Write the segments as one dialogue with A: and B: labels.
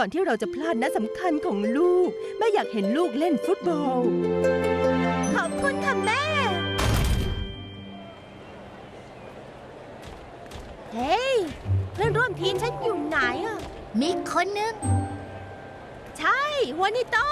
A: ก่อนที่เราจะพลาดนัดสำคัญของลูกแม่อยากเห็นลูกเล่นฟุตบอลขอบคุณค่ะแม่เฮ้ยเพื่อนร่วมทีมฉันอยู่ไหนอ่ะ
B: มีคนนึง
A: ใช่หัวนิโต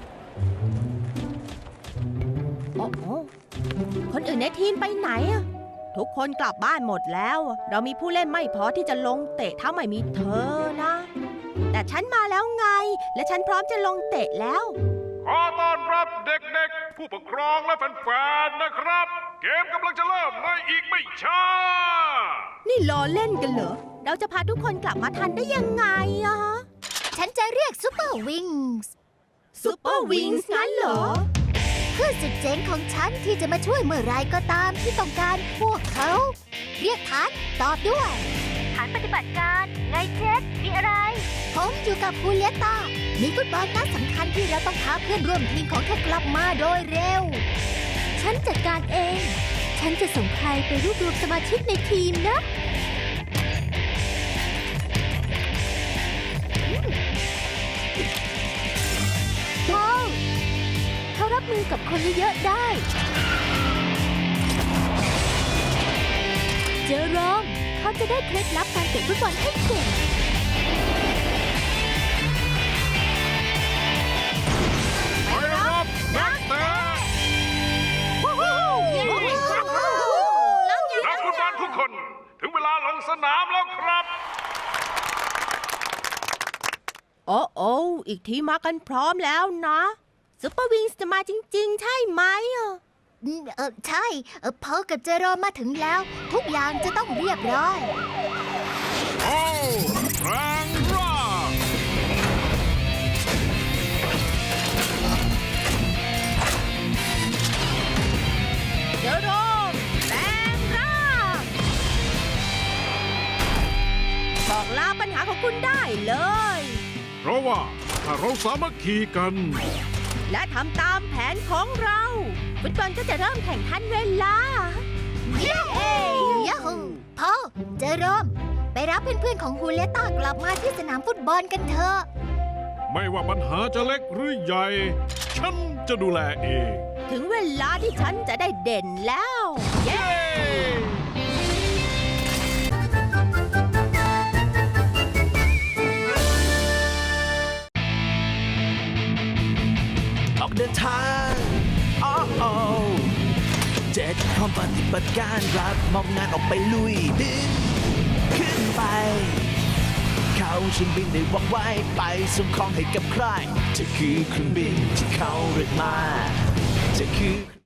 A: โอ้โหคนอื่นในทีมไปไหนอ่ะทุกคนกลับบ้านหมดแล้วเรามีผู้เล่นไม่พอที่จะลงเตะถ้าไม่มีเธอนะแต่ฉันมาแล้วไงและฉันพร้อมจะลงเตะแล้ว
C: ขอต้อนรับเด็กๆผู้ปกครองและแฟนๆนะครับเกมกำลังจะเริ่มในอีกไม่ช้า
A: นี่ล้อเล่นกันเหรอเราจะพาทุกคนกลับมาทันได้ยังไงอะ
B: ฉันจะเรียกซูเปอร์วิงส์
A: ซูเปอร์วิงส์งั้นเหรอ
B: เพื่อสุดเจ๋งของฉันที่จะมาช่วยเมื่อไรก็ตามที่ต้องการพวกเขาเรียกฐานตอบด้วยฐานปฏิบัติการไงเจ็ดมีอะไรผมอยู่กับฮูเลียตามีฟุตบอลนัดสำคัญที่เราต้องพาเพื่อนร่วมทีมของเธอกลับมาโดยเร็วฉันจัดการเองฉันจะส่งใครไปรวบรวมสมาชิกในทีมนะเขารับมือกับคนเยอะๆได้เจอรอมเขาจะได้เคล็ดลับการเตะฟุตบอลให้เก่ง
C: ไปรับนักเตะนักฟุตบอลทุกคนถึงเวลาลงสนามแล้วครับ
A: โอ้อีกทีมากันพร้อมแล้วนะซุปเปอร์วิงส์จะมาจริงๆใช่ไหม
B: ใช่พอกับเจอรอมมาถึงแล้วทุกอย่างจะต้องเรียบร้อย
C: โอ้แรงร่า
A: เจอรอมแรงร่าบอกลาปัญหาของคุณได้เลย
C: เพราะว่าถ้าเราสามัคคีกัน
A: และทำตามแผนของเราฟุตบอลก็จะเริ่มแข่งทันเวลา
B: เย้ยาฮูพอเจอรอมไปรับเพื่อนๆของฮูเลต้ากลับมาที่สนามฟุตบอลกันเถอะ
C: ไม่ว่าปัญหาจะเล็กหรือใหญ่ฉันจะดูแลเอง
A: ถึงเวลาที่ฉันจะได้เด่นแล้วเย้
D: เดินทาง7พร้อมปฏิบัติการรับมอบงานออกไปลุยบินขึ้นไปเขาฉันบินได้ว่องไวไปส่งของให้กับใครเธอคือเครื่องบินที่เขาเรียกมาเธอคือ